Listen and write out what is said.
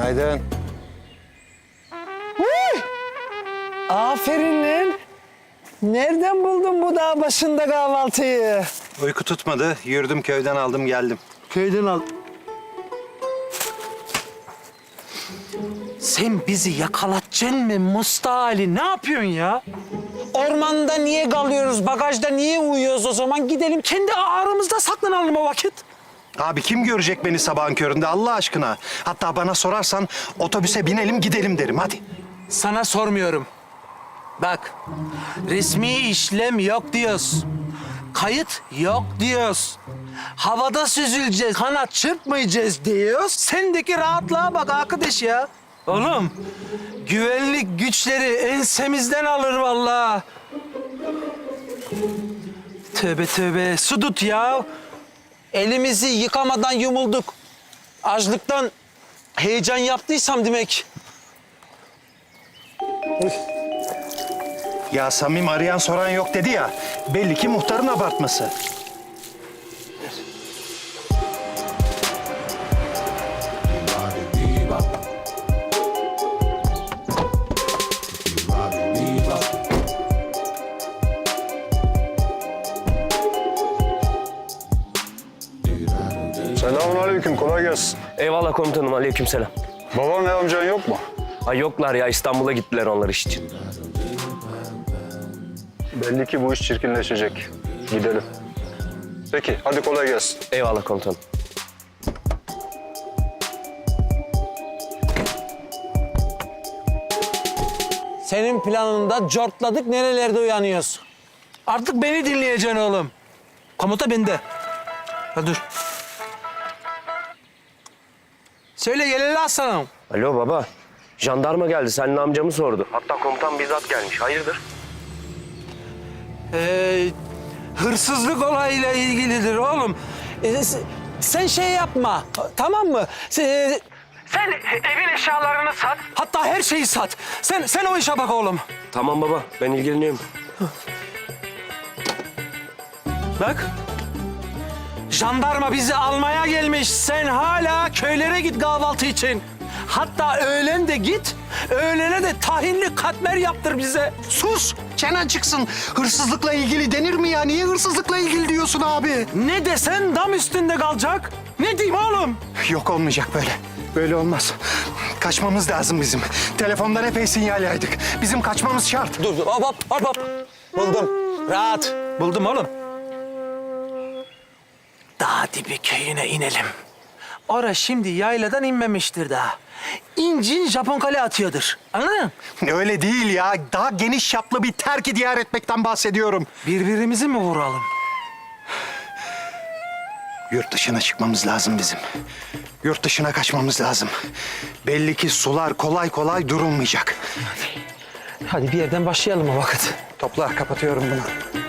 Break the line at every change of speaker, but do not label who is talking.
Günaydın.
Aferin lan. Nereden buldun bu dağ başında kahvaltıyı?
Uyku tutmadı. Yürüdüm köyden aldım geldim.
Köyden al. Sen bizi yakalatacaksın mı Musta Ali? Ne yapıyorsun ya? Ormanda niye kalıyoruz, bagajda niye uyuyoruz o zaman? Gidelim kendi aramızda saklanalım o vakit.
Abi kim görecek beni sabahın köründe Allah aşkına? Hatta bana sorarsan otobüse binelim gidelim derim hadi.
Sana sormuyorum. Bak, resmi işlem yok diyoruz. Kayıt yok diyoruz. Havada süzüleceğiz, kanat çırpmayacağız diyoruz. Sendeki rahatlığa bak arkadaş ya. Oğlum, güvenlik güçleri ensemizden alır vallahi. Tövbe tövbe, su tut ya. Elimizi yıkamadan yumulduk. Açlıktan heyecan yaptıysam demek.
Ya Samim arayan soran yok dedi ya. Belli ki muhtarın abartması.
Selamünaleyküm, kolay gelsin.
Eyvallah komutanım, aleykümselam.
Baban ve amcan yok mu?
Ay yoklar ya, İstanbul'a gittiler onlar iş için.
Belli ki bu iş çirkinleşecek. Gidelim. Peki, hadi kolay gelsin.
Eyvallah komutanım.
Senin planında cortladık, nerelerde uyanıyoruz? Artık beni dinleyeceksin oğlum. Komuta bende. Ha dur. Söyle Geleli Aslanım.
Alo baba, jandarma geldi, seninle amcamı sordu. Hatta komutan bizzat gelmiş, hayırdır?
Hırsızlık olayıyla ilgilidir oğlum. Sen şey yapma, tamam mı? Sen evin eşyalarını sat. Hatta her şeyi sat. Sen o işe bak oğlum.
Tamam baba, ben ilgileniyorum.
Bak. Jandarma bizi almaya gelmiş. Sen hala köylere git kahvaltı için. Hatta öğlen de git. Öğlene de tahinli katmer yaptır bize.
Sus! Çenen çıksın. Hırsızlıkla ilgili denir mi ya? Niye hırsızlıkla ilgili diyorsun abi?
Ne desen dam üstünde kalacak. Ne diyeyim oğlum?
Yok olmayacak böyle. Böyle olmaz. Kaçmamız lazım bizim. Telefondan epey sinyal yaydık. Bizim kaçmamız şart.
Dur, hop. Buldum. Rahat. Buldum oğlum. Dağ dibi köyüne inelim. Ora şimdi yayladan inmemiştir daha. İncin Japon kale atıyordur. Anladın mı?
Öyle değil ya. Daha geniş çaplı bir terk diyar etmekten bahsediyorum.
Birbirimizi mi vuralım?
Yurt dışına çıkmamız lazım bizim. Yurt dışına kaçmamız lazım. Belli ki sular kolay kolay durulmayacak.
Hadi bir yerden başlayalım o vakit.
Topla, kapatıyorum bunu.